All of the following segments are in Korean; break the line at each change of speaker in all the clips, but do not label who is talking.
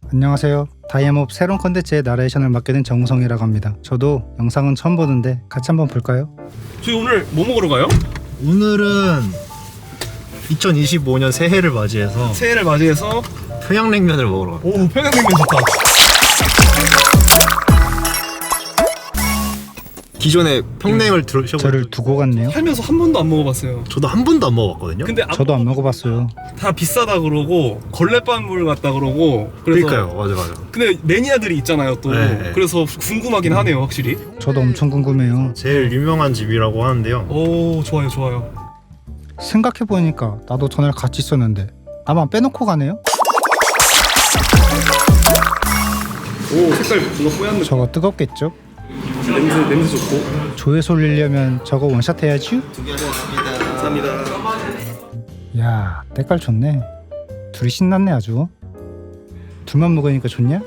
안녕하세요. 다이아몹 새로운 컨텐츠의 나레이션을 맡게 된 정우성이라고 합니다. 저도 영상은 처음 보는데 같이 한번 볼까요?
저희 오늘 뭐 먹으러 가요?
오늘은 2025년 새해를 맞이해서
새해를 맞이해서
평양냉면을 먹으러 갑니다.
오, 평양냉면 좋다.
기존에 평냉을 들으셔보셨죠?
저를 두고 갔네요.
살면서 한 번도 안 먹어봤어요.
저도 한 번도 안 먹어봤거든요.
근데
저도 안 먹어봤어요.
다 비싸다 그러고 걸레밥물 같다 그러고 그래서
그러니까요. 맞아.
근데 매니아들이 있잖아요 또.
네.
그래서 궁금하긴 하네요 확실히.
저도 엄청 궁금해요.
제일 유명한 집이라고 하는데요.
오, 좋아요.
생각해보니까 나도 전날 같이 있었는데 나만 빼놓고 가네요?
오, 색깔 뭔가 뽀얀 느낌.
저거 뜨겁겠죠?
냄새 좋고.
조회수 올리려면 저거 원샷 해야지?
감사합니다.
야, 때깔 좋네. 둘이 신났네 아주. 둘만 먹으니까 좋냐?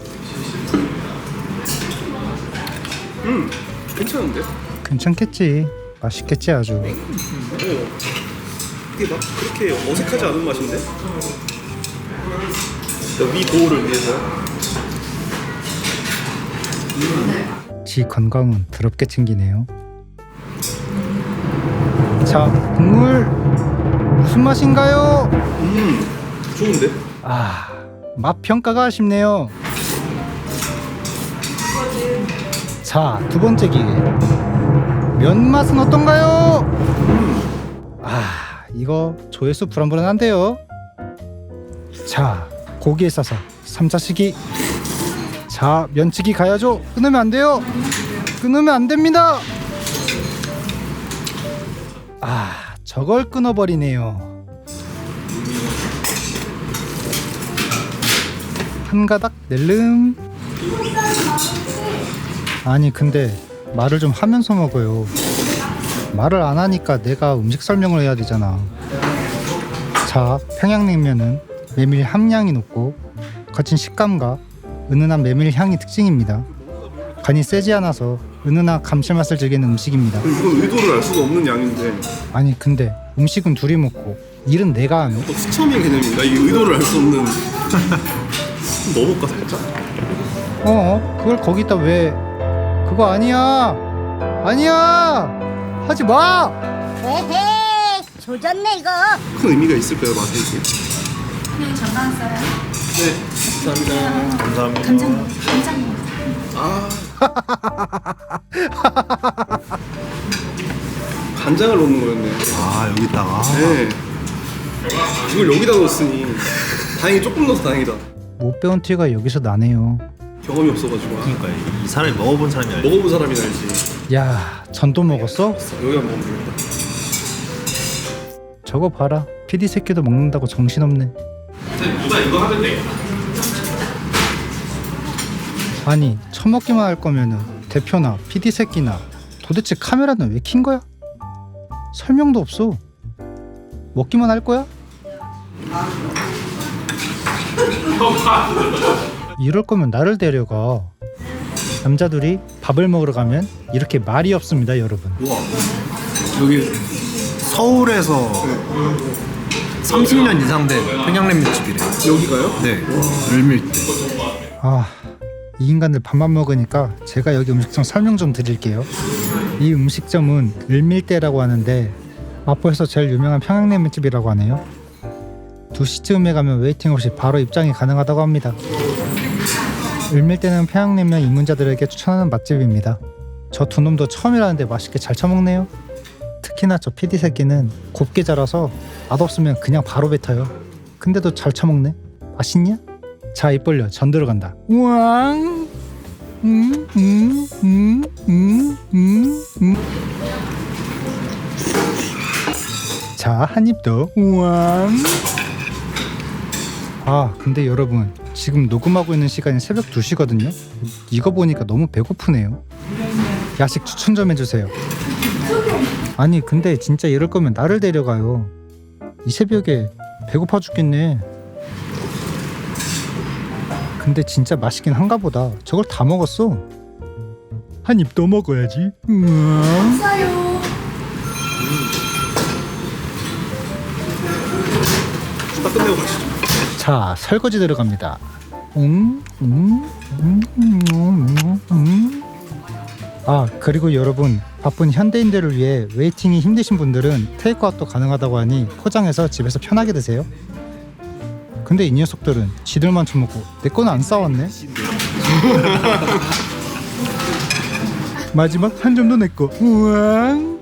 괜찮은데?
괜찮겠지. 맛있겠지 아주.
이게 막 그렇게 어색하지 않은 맛인데? 위 보호를 위해서.
지 건강은 더럽게 챙기네요. 자, 국물 무슨 맛인가요?
좋은데?
아, 맛 평가가 아쉽네요. 자, 두 번째 기회. 면 맛은 어떤가요? 아, 이거 조회수 불안불안한데요. 자, 고기에 싸서 3차식이. 자, 면치기 가야죠. 끊으면 안 돼요. 끊으면 안 됩니다. 아, 저걸 끊어버리네요. 한 가닥 낼름. 아니 근데 말을 좀 하면서 먹어요. 말을 안 하니까 내가 음식 설명을 해야 되잖아. 자, 평양냉면은 메밀 함량이 높고 거친 식감과 은은한 메밀 향이 특징입니다. 간이 세지 않아서 은은한 감칠맛을 즐기는 음식입니다.
이건 의도를 알 수가 없는 양인데
아니 근데 음식은 둘이 먹고 일은 내가 하네.
또 스쳐민 개념인가? 이게 의도를 알 수 없는. 넣어볼까 살짝?
그걸 거기다 왜? 그거 아니야. 하지 마.
에헤이 조졌네 이거.
큰 의미가 있을까요 맛에 이게?
그냥 전방 써요.
네, 감사합니다.
간장.
간장을 넣는 거였네.
아, 여기다가.
네. 이걸 여기다 넣었으니 다행히 조금 넣어서 다행이다.
못 배운 티가 여기서 나네요.
경험이 없어가지고.
그러니까 이 사람이 먹어본 사람이 알지.
먹어본 사람이 알지.
야, 전도 먹었어?
여기 한번 먹으면 되겠다.
저거 봐라. PD 새끼도 먹는다고 정신없네.
누나 이거 하면 돼.
아니, 처먹기만 할 거면은 대표나 PD 새끼나 도대체 카메라는 왜 킨 거야? 설명도 없어. 먹기만 할 거야? 이럴 거면 나를 데려가. 남자들이 밥을 먹으러 가면 이렇게 말이 없습니다, 여러분.
우와.
여기 서울에서 30년 이상 된 평양냉면 집이래요.
여기가요?
네. 을밀대.
아, 이 인간들 밥만 먹으니까 제가 여기 음식점 설명 좀 드릴게요. 이 음식점은 을밀대라고 하는데 마포에서 제일 유명한 평양냉면집이라고 하네요. 2시쯤에 가면 웨이팅 없이 바로 입장이 가능하다고 합니다. 을밀대는 평양냉면 입문자들에게 추천하는 맛집입니다. 저 두 놈도 처음이라는데 맛있게 잘 처먹네요. 특히나 저 PD 새끼는 곱게 자라서 맛없으면 그냥 바로 뱉어요. 근데도 잘 처먹네. 맛있냐? 자, 입 벌려. 전 들어간다. 우왕. 자, 한 입 더. 우왕. 아, 근데 여러분, 지금 녹음하고 있는 시간이 새벽 2시거든요. 이거 보니까 너무 배고프네요. 야식 추천 좀 해주세요. 아니 근데 진짜 이럴 거면 나를 데려가요. 이 새벽에 배고파 죽겠네. 근데 진짜 맛있긴 한가 보다. 저걸 다 먹었어. 한 입 더 먹어야지.
써요.
딱 끝내고 가시죠.
자, 설거지 들어갑니다. 아, 그리고 여러분, 바쁜 현대인들을 위해 웨이팅이 힘드신 분들은 테이크아웃도 가능하다고 하니 포장해서 집에서 편하게 드세요. 근데 이 녀석들은 지들만 처먹고 내 거는 안 싸웠네. 마지막 한 점도 내 거. 우왕.